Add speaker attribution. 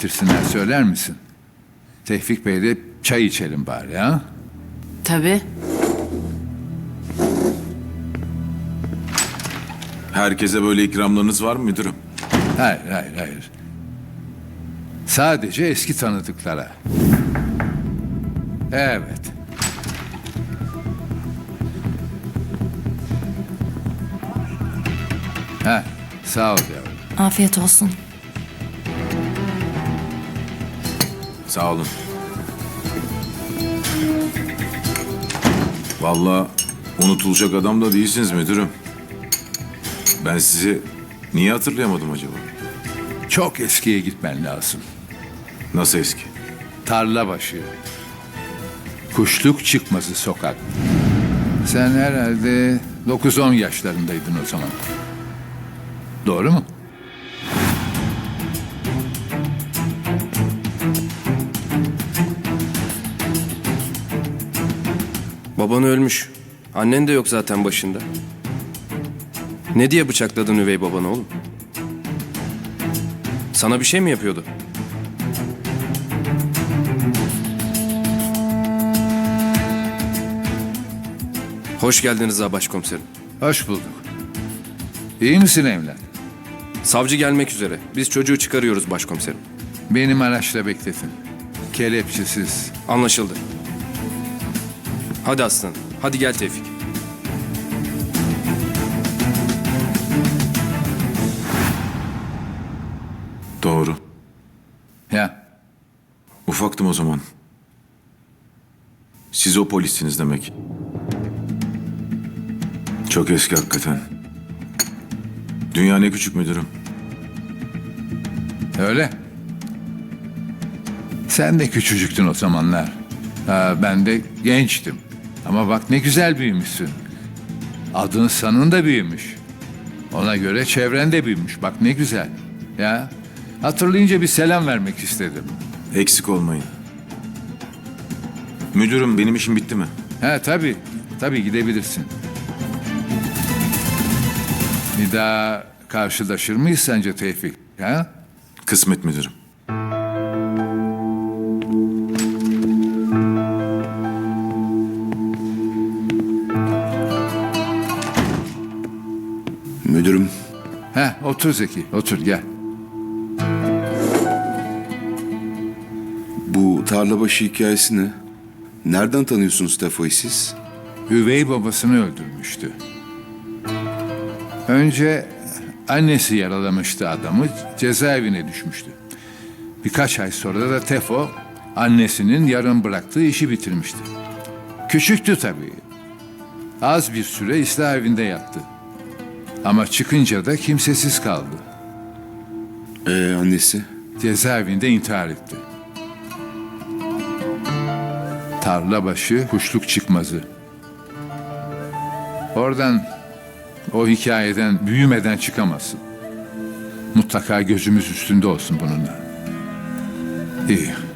Speaker 1: getirsinler söyler misin? Tevfik Bey'le çay içelim bari ha?
Speaker 2: Tabii.
Speaker 3: Herkese böyle ikramlarınız var mı müdürüm?
Speaker 1: Hayır. Sadece eski tanıdıklara. Evet. Sağ ol yavrum.
Speaker 2: Afiyet olsun.
Speaker 3: Sağ olun. Vallahi unutulacak adam da değilsiniz müdürüm. Ben sizi niye hatırlayamadım acaba?
Speaker 1: Çok eskiye gitmen lazım.
Speaker 3: Nasıl eski?
Speaker 1: Tarlabaşı. Kuşluk Çıkmazı sokak. Sen herhalde 9-10 yaşlarındaydın o zaman. Doğru mu?
Speaker 4: Baban ölmüş. Annen de yok zaten başında. Ne diye bıçakladın üvey babanı oğlum? Sana bir şey mi yapıyordu? Hoş geldiniz Rıza Başkomiserim.
Speaker 1: Hoş bulduk. İyi misin evlat?
Speaker 4: Savcı gelmek üzere. Biz çocuğu çıkarıyoruz başkomiserim.
Speaker 1: Benim araçla bekletin. Kelepçesiz.
Speaker 4: Anlaşıldı. Hadi aslanım. Hadi gel Tevfik.
Speaker 3: Doğru.
Speaker 1: Ya
Speaker 3: Ufaktım o zaman. Siz o polissiniz demek. Çok eski hakikaten. Dünya ne küçük müdürüm.
Speaker 1: öyle. Sen de küçücüktün o zamanlar. Ben de gençtim. Ama bak ne güzel büyümüşsün. Adın sanın da büyümüş. Ona göre çevren de büyümüş. Bak ne güzel. Ya hatırlayınca bir selam vermek istedim.
Speaker 3: Eksik olmayın. Müdürüm benim işim bitti mi?
Speaker 1: Tabii. Tabii gidebilirsin. Bir daha karşılaşır mıyız sence Tevfik? Ha?
Speaker 3: Kısmet müdürüm.
Speaker 5: Müdürüm,
Speaker 1: Otur Zeki, otur gel.
Speaker 5: bu tarlabaşı hikayesi ne? Nereden tanıyorsunuz Tefo'yu siz?
Speaker 1: Üvey babasını öldürmüştü. Önce annesi yaralamıştı adamı, cezaevine düşmüştü. Birkaç ay sonra da Tefo, annesinin yarım bıraktığı işi bitirmişti. Küçüktü tabii. Az bir süre ıslah evinde yattı. Ama çıkınca da kimsesiz kaldı.
Speaker 5: Annesi?
Speaker 1: Cezaevinde intihar etti. Tarlabaşı Kuşluk Çıkmazı. Oradan, o hikayeden büyümeden çıkamazsın. Mutlaka gözümüz üstünde olsun bununla. İyi.